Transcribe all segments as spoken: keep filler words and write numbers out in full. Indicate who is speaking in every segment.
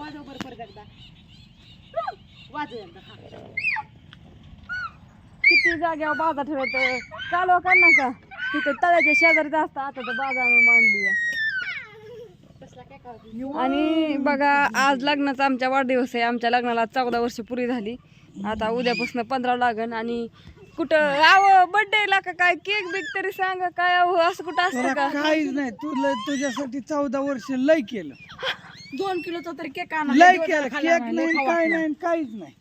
Speaker 1: वाजव बरं परत एकदा वाजव एकदा.
Speaker 2: किती जाग्यावर बाजार ठेवायचं चालू कर ना का तिथं तळ्याच्या शेजारीच असतं आता तर बाजार मांडली आणि बघा आज लग्नाचा आमच्या वाढदिवस आहे. आमच्या लग्नाला चौदा वर्ष पुरी झाली. आता उद्यापासून पंधरा लागन आणि कुठं आव बर्थडे ला का काय केक बिक तरी सांगा काय आव असं कुठं असतं का?
Speaker 3: काहीच नाही तुला तुझ्यासाठी चौदा वर्ष लय केलं.
Speaker 2: दोन किलोचा तरी केक आणा
Speaker 3: लय केलं केक नाही काय नाही काहीच नाही.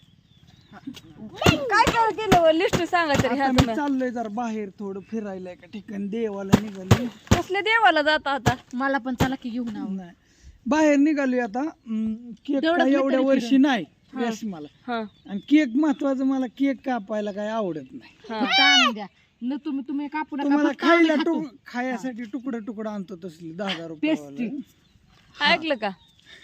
Speaker 2: काय काय केलं लिस्ट सांगा तरी.
Speaker 3: आता मी चाललोय जरा बाहेर थोडं फिरायला एका ठिकाणी देवाला निघालोय.
Speaker 2: कसल्या देवाला जाता आता?
Speaker 1: मला पण चला की घेऊन आव.
Speaker 3: नाही बाहेर निघालोय आता. केक एवढ्या वर्षी नाही यस मला आणि केक महत्वाचं मला केक कापायला काय आवडत नाही.
Speaker 1: आणून द्या न तुम्ही तुम्ही कापू नका.
Speaker 3: तुम्हाला खायला तुक खायसाठी तुकडं तुकडं आणतो तसली दहा हजार रुपये.
Speaker 2: ऐकलं का?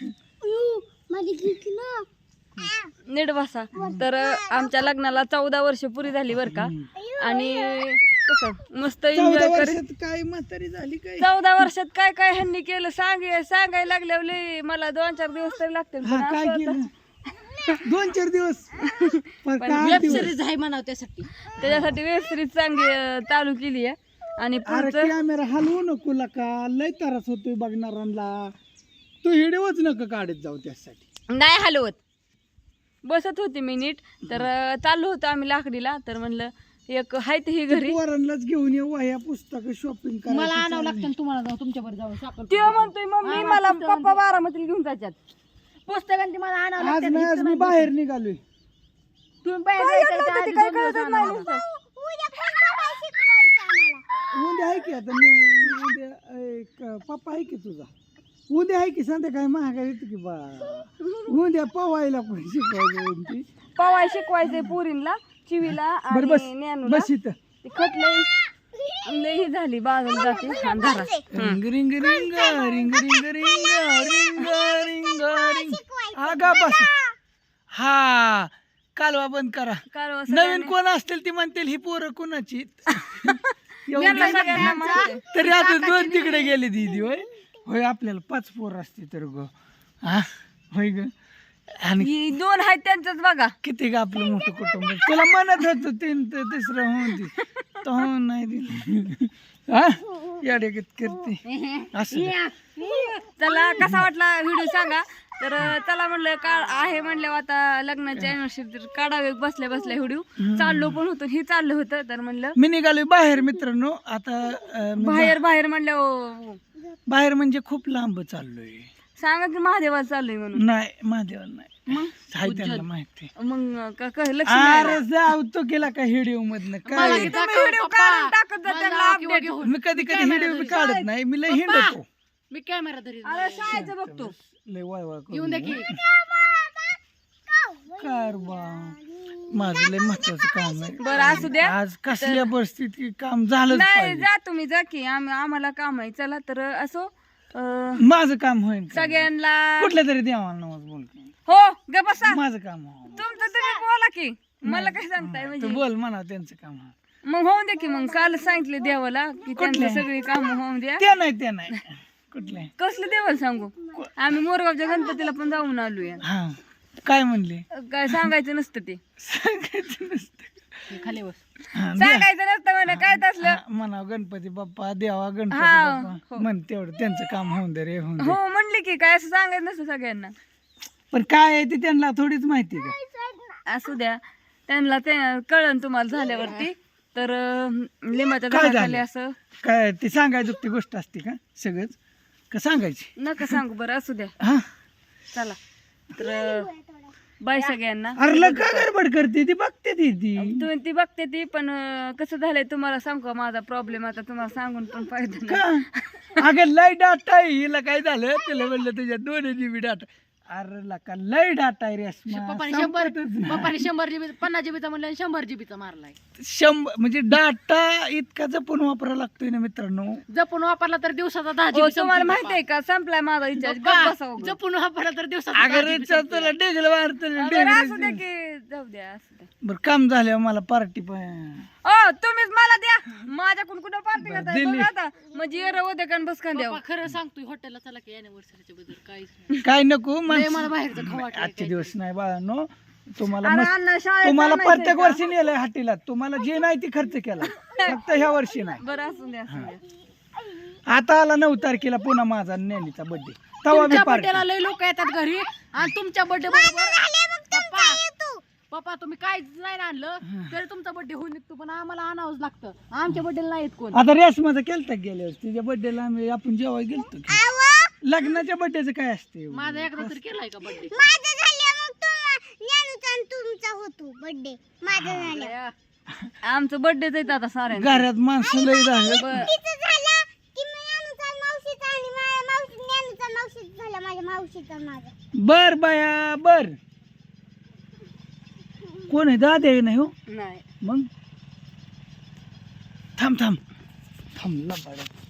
Speaker 2: नीट बसा. तर आमच्या लग्नाला चौदा वर्ष पुरी झाली बर का आणि कसं मस्त एन्जॉय करीत.
Speaker 3: काय म्हातारी झाली काय?
Speaker 2: चौदा वर्षात काय काय ह्यांनी केलं सांग सांगायला लागल्यावर मला दोन चार दिवस तरी लागतील.
Speaker 3: हा काय केलं दोन चार दिवस
Speaker 1: वेब सिरीज आहे म्हणाव त्यासाठी.
Speaker 2: त्याच्यासाठी वेब सिरीज चांगली अं, चालू केली आहे आणि पुढचं
Speaker 3: कॅमेरा हलवू नको का लय त्रास होतोय बघणाऱ्यांना. तू व्हिडिओच नका काढत जाऊ त्यासाठी.
Speaker 2: नाही हलवत बसत होती मी नीट. तर अं, चाललो होतो आम्ही लाकडीला. तर म्हणलं एक हाय ते ही घरी
Speaker 3: पोरांनाच घेऊन येऊ ह्या पुस्तक शॉपिंग करा.
Speaker 1: मला आणावं लागतं तुम्हाला जाऊ तुमच्या बरोबर जाऊ साखर.
Speaker 2: तेव्हा म्हणतोय मम्मी मला पप्पा बारामतीला घेऊन जायच्यात.
Speaker 1: पुस्तकांची मला आणावं
Speaker 3: आज
Speaker 1: लागतं.
Speaker 3: नाही आज मी बाहेर निघालोय.
Speaker 1: तुम्ही बाहेर
Speaker 2: काय
Speaker 1: जायचं
Speaker 2: आणलं होतं
Speaker 1: आधी
Speaker 2: ते काय
Speaker 1: दोन दिवस
Speaker 2: कळतच
Speaker 1: आणावं
Speaker 2: नाही
Speaker 1: लागतं.
Speaker 2: नुसतं.
Speaker 3: उद्या आहे की आता मी उद्या एक पप्पा आहे की तुझा उद्या आहे की संध्याकाळी महागाई येते की बा. उद्या पवायला पण शिकवायचं.
Speaker 2: पवाय शिकवायचंय पुरीला चिवीला
Speaker 3: बरं बस
Speaker 2: आणि ज्ञानूला.
Speaker 3: बस इथं.
Speaker 2: ती खटलंय लई ही झाली बाजूला जाते अंधारा.
Speaker 3: Ring ring ring ring ring ring ring ring ring आगा बस. हा कालवा बंद करा.
Speaker 2: कालवा
Speaker 3: नवीन कोण असतील ती म्हणतील ही पोरं कोणाची.
Speaker 2: यांना सगळ्यांना माहिती आहे.
Speaker 3: तरी आता दोन तिकडे गेले दीदी. होय होय आपल्याला पाच पोर असते तर ग हा होय ग. आणि
Speaker 2: ही दोन आहेत त्यांचंच बघा.
Speaker 3: किती ग आपलं मोठं कुटुंब. तुला म्हणत होत तीन तर तिसरं होऊन दे तर होऊन नाही दिली. हा याडे करते असं.
Speaker 2: चला कसा वाटला व्हिडिओ सांगा. तर चला म्हणलं का आहे म्हणल्यावर आता लग्नाची अॅनिव्हर्सरी काढावे बसल्या बसल्या व्हिडिओ. चाललो पण होतो हे चाललं होतं तर म्हणलं
Speaker 3: मी निघालोय बाहेर मित्रांनो. आता अं, मी
Speaker 2: बाहेर बाहेर म्हणलं
Speaker 3: बाहेर म्हणजे खूप लांब चाललोय.
Speaker 2: सांगा की महादेवाला चाललोय म्हणून.
Speaker 3: नाही महादेवाला नाही हाय त्यांना माहिती.
Speaker 2: मग का- का- लक्ष
Speaker 3: अरे जाऊ तो केला का व्हिडिओ मधनं काय.
Speaker 2: व्हिडिओ काढून टाकत जा त्यांना अपडेट.
Speaker 3: मी कधी कधी व्हिडिओ बी काढत नाही. मी लय हिंडतो.
Speaker 1: मी कॅमेरा धरी
Speaker 2: अरे शाळेचं बघतो.
Speaker 3: लय वाय वाय
Speaker 1: येऊन द्या की.
Speaker 3: कारबा माझं लय महत्वाचं काम आहे.
Speaker 2: बरं असू द्या.
Speaker 3: आज कसल्या परिस्थिती काम झालंच
Speaker 2: नाही
Speaker 3: पाहिजे.
Speaker 2: जा तुम्ही जा की आम्ही आम्हाला काम आहे. चला तर असो अं,
Speaker 3: माझं काम होईल का?
Speaker 2: सगळ्यांना
Speaker 3: कुठल्या तरी देवाला नवस बोल की.
Speaker 2: हो ग बसा.
Speaker 3: माझं काम हो.
Speaker 2: तुमचं तुम्ही बोला की मला काय सांगताय
Speaker 3: तू
Speaker 2: म्हणजे.
Speaker 3: बोल म्हणा त्यांचं काम हो.
Speaker 2: मग होऊन द्या की मग काल सांगितले देवाला की त्यांची सगळी काम होऊन द्या.
Speaker 3: ते नाही ते नाही कुठले
Speaker 2: कसलं देवाला सांगू. आम्ही मोरगावच्या गणपतीला पण जाऊन आलोय.
Speaker 3: हा काय म्हणले
Speaker 2: काय सांगायचं नसतं ते.
Speaker 3: सांगायचं नसतं.
Speaker 1: खाली बस.
Speaker 3: हा, द्या.
Speaker 2: सांगायचं नसतं म्हणे काय तसलं.
Speaker 3: हा, म्हणा गणपती बाप्पा देवा गणपती
Speaker 2: हा,
Speaker 3: बाप्पा म्हण तेवढं त्यांचं काम होऊन दे रे होऊन दे.
Speaker 2: हो म्हणले की काय असं सांगायचं नसतं सगळ्यांना.
Speaker 3: पण काय आहे ते त्यांना थोडीच माहिती का.
Speaker 2: असू द्या त्यांना ते कळण तुम्हाला झाल्यावरती. तर अं, लिंबाच्या
Speaker 3: काय
Speaker 2: झाडाखाली
Speaker 3: झालं?
Speaker 2: असं
Speaker 3: काय ती सांगायची ती गोष्ट असते का सगळंच का सांगायची.
Speaker 2: नका सांगू बरं असू द्या.
Speaker 3: हा
Speaker 2: चला तर बाय सगळ्यांना.
Speaker 3: अरे लग का गडबड करते ती बघते ती ती
Speaker 2: तुम्ही ती बघते ती पण अं, कसं झालंय तुम्हाला सांगू का माझा प्रॉब्लेम आता तुम्हाला सांगून पण फायदा नाही.
Speaker 3: का अगं लय डाटा आहे हिला काय झालं तिला म्हणलं तुझ्या दोन जीबी डाटा. अरे लका लय डाटा आहे रे अस्मा.
Speaker 1: पप्पाने शंभर
Speaker 3: संपतच नाही.
Speaker 1: पप्पाने शंभर जीबी पन्नास जीबीचा म्हणलं आणि शंभर जीबीचा मारलाय.
Speaker 3: शंभर म्हणजे डाटा इतका जपून वापरायला लागतोय ना मित्रांनो.
Speaker 1: जपून वापरला तर दिवसाचा दहा
Speaker 2: हो,
Speaker 1: जीबी
Speaker 2: तुम्हाला माहिती आहे का संपलाय माझा रिचार्ज.
Speaker 1: जपून वापरला तर दिवसाचा
Speaker 3: अगं रिचार्ज तुला डेगल मारत
Speaker 2: असू द्या की जाऊ द्या असू द्या.
Speaker 3: बरं काम झाल्यावर मला पार्टी पण
Speaker 2: ओ तुम्हीच मला द्या माझ्याकडून कुठं पार्टी
Speaker 3: बरं,
Speaker 2: करताय
Speaker 3: दिली.
Speaker 2: बघा आता म्हणजे ये रे उद्या कान बस द्यावं
Speaker 1: पप्पा खरं सांगतोय हॉटेलला चला की अॅनिव्हर्सरीच्या बद्दल काहीच नाही.
Speaker 3: काय नको
Speaker 1: लय
Speaker 3: माणसं-
Speaker 1: मला बाहेरचं खाऊ वाटलंय
Speaker 3: आजचे
Speaker 1: काय.
Speaker 3: दिवस नाही बाळांनो तुम्हाला
Speaker 2: अरे
Speaker 3: मस्त-
Speaker 2: अण्णा शाळेत
Speaker 3: तुम्हाला
Speaker 2: आणायचंय
Speaker 3: प्रत्येक
Speaker 2: का?
Speaker 3: वर्षी नेलंय हाटीला तुम्हाला जे नाही ते खर्च केला फक्त ह्या वर्षी नाही.
Speaker 2: बरं असून द्या असून द्या
Speaker 3: आता आला नऊ तारखेला पुन्हा माझा नेलीचा बर्थडे तवा बी
Speaker 1: तुमच्या
Speaker 3: पार्टी
Speaker 1: बर्थडेला लय लोक येतात घरी आणि तुमच्या बर्थडे पप्पा पप्पा तुम्ही काहीच नाही आणलं तरी तुमचा बर्थडे होऊन निघतो पण आम्हाला आणावंच लागतं आमच्या बर्थडेला नाही येत कोण.
Speaker 3: आता रेस माझा केलता गेल्या वर्षी तिच्या बर्थडेला आम्ही आपण जेव्हा गेलतो की. लग्नाच्या बर्थडेचं काय असते
Speaker 1: माझा एकदा तरी केलाय का बर्थडे.
Speaker 2: आमचं बर्थडेच आहे आता साऱ्या
Speaker 3: घरात माणसं लय झालं
Speaker 2: बरं.
Speaker 3: बर बाया बर कोण आहे दादा आहे नाही हो
Speaker 2: नाही
Speaker 3: मग थांब थांब थांबला बाळा